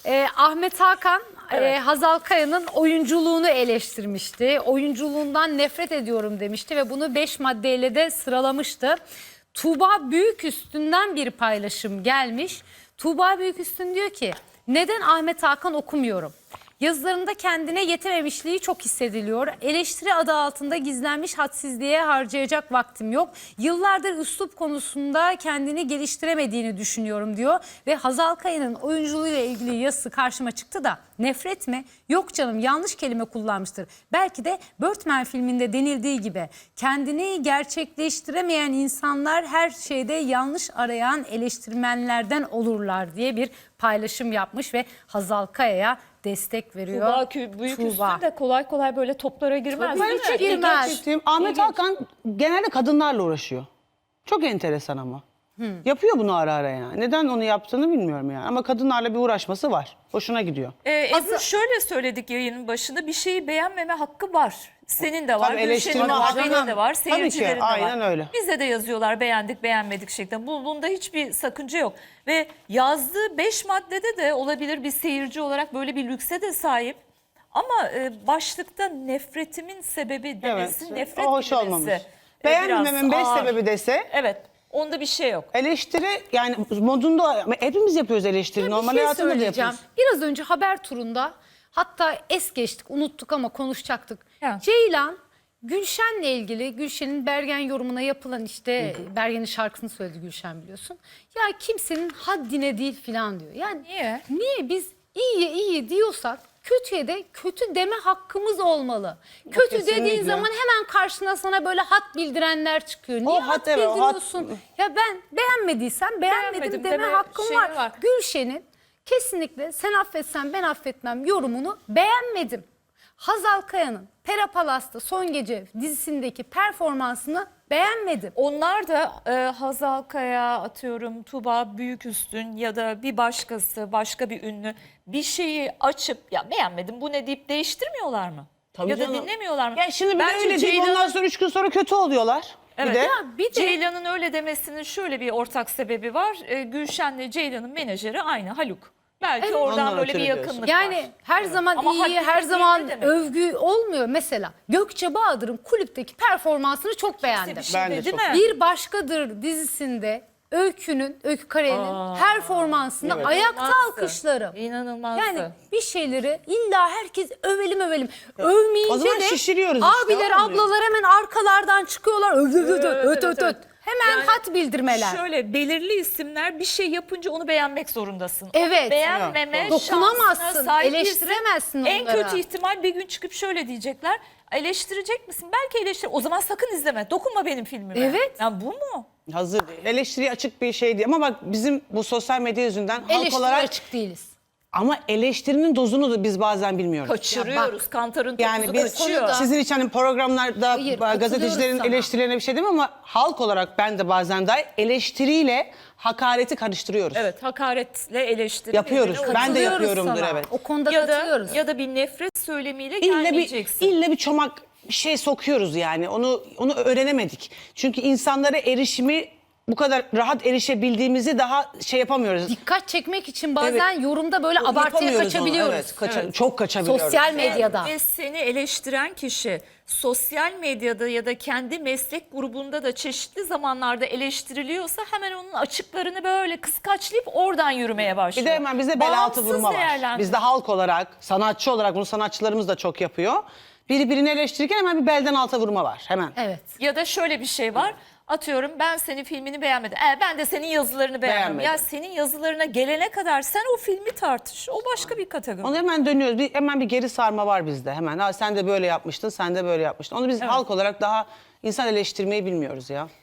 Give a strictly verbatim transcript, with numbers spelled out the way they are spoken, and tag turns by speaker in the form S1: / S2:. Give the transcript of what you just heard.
S1: Ee, Ahmet Hakan
S2: Evet.
S1: e, Hazal Kaya'nın oyunculuğunu eleştirmişti. Oyunculuğundan nefret ediyorum demişti ve bunu beş maddeyle de sıralamıştı. Tuğba Büyüküstün'den bir paylaşım gelmiş. Tuğba Büyüküstün diyor ki, neden Ahmet Hakan okumuyorum? Yazılarında kendine yetememişliği çok hissediliyor. Eleştiri adı altında gizlenmiş hadsizliğe harcayacak vaktim yok. Yıllardır üslup konusunda kendini geliştiremediğini düşünüyorum diyor. Ve Hazal Kaya'nın oyunculuğuyla ilgili yazısı karşıma çıktı da nefret mi? Yok canım, yanlış kelime kullanmıştır. Belki de Birdman filminde denildiği gibi kendini gerçekleştiremeyen insanlar her şeyde yanlış arayan eleştirmenlerden olurlar diye bir paylaşım yapmış ve Hazal Kaya'ya destek veriyor.
S2: Tuğba Kü- büyük
S1: Tuğba.
S2: üstün de kolay kolay böyle toplara girmez.
S1: Tabii
S2: değil
S1: hiç
S2: mi?
S1: girmez.
S3: Dikkat ettiğim, Ahmet
S2: İlginç.
S3: Hakan genelde kadınlarla uğraşıyor. Çok enteresan ama. Yapıyor bunu ara ara yani. Neden onu yaptığını bilmiyorum yani. Ama kadınlarla bir uğraşması var. Hoşuna gidiyor.
S2: Ee, Ebru şöyle söyledik yayının başında, bir şeyi beğenmeme hakkı var. Senin de var,
S3: Tabii, eleştirme
S2: Gülşen'in var,
S3: hakkı.
S2: benim de var,
S3: Tabii ki,
S2: seyircilerin de var.
S3: aynen öyle.
S2: Bize de yazıyorlar beğendik beğenmedik şeklinde. Bu, bunda hiçbir sakınca yok. Ve yazdığı beş maddede de olabilir, bir seyirci olarak böyle bir lükse de sahip. Ama e, başlıkta nefretimin sebebi demesi,
S3: Evet,
S2: nefret
S3: o hoş
S2: kelimesi,
S3: olmamış.
S2: e,
S3: Beğenmememin
S2: biraz
S3: beş
S2: ağır.
S3: sebebi dese,
S2: Evet, onda bir şey yok.
S3: eleştiri yani modunda, hepimiz yapıyoruz eleştiri.
S1: Bir
S3: Normal
S1: şey
S3: hayatında da
S1: söyleyeceğim.
S3: yapıyoruz.
S1: Biraz önce haber turunda, hatta es geçtik, unuttuk ama konuşacaktık.
S2: Ya.
S1: Ceylan Gülşen'le ilgili, Gülşen'in Bergen yorumuna yapılan işte Bergen'in şarkısını söyledi Gülşen, biliyorsun. Ya kimsenin haddine değil falan diyor. Yani
S2: Niye?
S1: Niye biz iyi iyi diyorsak kötüye de kötü deme hakkımız olmalı. Kötü
S3: kesinlikle.
S1: dediğin zaman hemen karşına sana böyle hat bildirenler çıkıyor. Niye
S3: hat,
S1: hat
S3: evet, o hat-
S1: bildiriyorsun? Ya ben beğenmediysem beğenmedim
S2: Beğenmedim
S1: deme,
S2: deme
S1: hakkım
S2: şeyi
S1: var.
S2: var.
S1: Gülşen'in kesinlikle sen affetsen ben affetmem yorumunu beğenmedim. Hazal Kaya'nın Pera Palas'ta Son Gece dizisindeki performansını beğenmedim.
S2: Onlar da e, Hazal Kaya, atıyorum Tuğba Büyüküstün ya da bir başkası, başka bir ünlü bir şeyi açıp ya beğenmedim bu ne deyip değiştirmiyorlar mı?
S3: Tabii
S2: ya da
S3: canım.
S2: dinlemiyorlar mı?
S3: Ya şimdi bir de
S2: Bence
S3: öyle deyip
S2: Ceylan'ın-
S3: ondan sonra üç gün sonra kötü oluyorlar.
S2: Evet.
S3: Bir de
S1: Ya bir de
S2: Ceylan'ın öyle demesinin şöyle bir ortak sebebi var. E, Gülşen'le Ceylan'ın menajeri aynı, Haluk. Belki
S1: Evet.
S2: oradan
S3: Ondan
S2: böyle bir
S3: ötürü diyorsun.
S2: yakınlık
S1: yani
S2: var.
S1: her zaman
S2: Ama
S1: iyi,
S2: haddini
S1: her
S2: bil
S1: zaman
S2: ne demek?
S1: övgü olmuyor. Mesela Gökçe Bahadır'ın kulüpteki performansını çok beğendim.
S2: Bir şey
S3: Ben de
S2: dedi
S3: çok
S2: mi?
S1: Bir Başkadır dizisinde Öykü'nün, Öykü Karayel'in
S2: Aa,
S1: performansını
S3: evet.
S1: ayakta
S2: İnanılmazdı.
S1: alkışlarım.
S2: İnanılmazdı.
S1: Yani bir şeyleri illa herkes övelim övelim. Övmeyince
S3: o zaman
S1: de
S3: şişiriyoruz işte,
S1: abiler,
S3: olmuyor.
S1: ablalar hemen arkalardan çıkıyorlar. Öt öt öt
S2: Evet,
S1: öt
S2: evet,
S1: öt öt.
S2: evet.
S1: Hemen
S2: Yani
S1: hat bildirmeler.
S2: Şöyle belirli isimler bir şey yapınca onu beğenmek zorundasın.
S1: Evet.
S2: Onu beğenmeme
S3: Evet,
S1: dokunamazsın,
S2: şansına sahip
S1: eleştiremezsin
S2: değilsin. En
S1: onlara.
S2: kötü ihtimal bir gün çıkıp şöyle diyecekler. Eleştirecek misin? Belki eleştir. O zaman sakın izleme. Dokunma benim filmime.
S1: Evet.
S2: Ya bu mu?
S3: hazır değil. Eleştiriye açık bir şey değil. Ama bak bizim bu sosyal medya yüzünden halk
S1: Eleştiri
S3: olarak,
S1: açık değiliz.
S3: ama eleştirinin dozunu da biz bazen bilmiyoruz.
S2: Kaçırıyoruz. Kantarın
S3: Yani
S2: topuzu
S3: biz
S2: kaçıyor.
S1: konuda-
S3: sizin için hani programlarda
S1: Hayır,
S3: gazetecilerin
S1: katılıyorum sana.
S3: eleştirilerine bir şey demem ama halk olarak ben de bazen dahi eleştiriyle hakareti karıştırıyoruz.
S2: Evet, hakaretle eleştiri.
S3: Yapıyoruz.
S2: birbirine
S3: Ben de
S1: Katılıyoruz
S3: yapıyorumdur,
S1: sana.
S3: evet.
S1: O konuda
S2: ya da
S1: katılıyoruz.
S2: ya da bir nefret söylemiyle
S3: İlle bir,
S2: gelmeyeceksin.
S3: ille bir çomak bir şey sokuyoruz yani. Onu onu öğrenemedik. Çünkü insanlara erişimi bu kadar rahat erişebildiğimizi daha şey yapamıyoruz.
S1: Dikkat çekmek için bazen yorumda böyle abartıya
S3: Yapamıyoruz onu,
S1: kaçabiliyoruz.
S3: evet. Kaça- Çok kaçabiliyoruz.
S1: Sosyal medyada.
S2: Ve seni eleştiren kişi sosyal medyada ya da kendi meslek grubunda da çeşitli zamanlarda eleştiriliyorsa hemen onun açıklarını böyle kıskaçlayıp oradan yürümeye başlıyor.
S3: Bir de hemen bize bel altı
S2: Bağımsız
S3: vurma var.
S2: değerlendir-
S3: Bizde halk olarak, sanatçı olarak bunu sanatçılarımız da çok yapıyor. Biri birini eleştirirken hemen bir belden alta vurma var hemen.
S1: Evet.
S2: Ya da şöyle bir şey var. Atıyorum ben senin filmini beğenmedim. E, ben de senin yazılarını beğenmedim.
S3: Beğenmedim.
S2: Ya senin yazılarına gelene kadar sen o filmi tartış. O başka bir kategori.
S3: Onu hemen dönüyoruz. Bir, hemen bir geri sarma var bizde hemen. Ha, sen de böyle yapmıştın, sen de böyle yapmıştın. Onu biz halk olarak daha insan eleştirmeyi bilmiyoruz ya.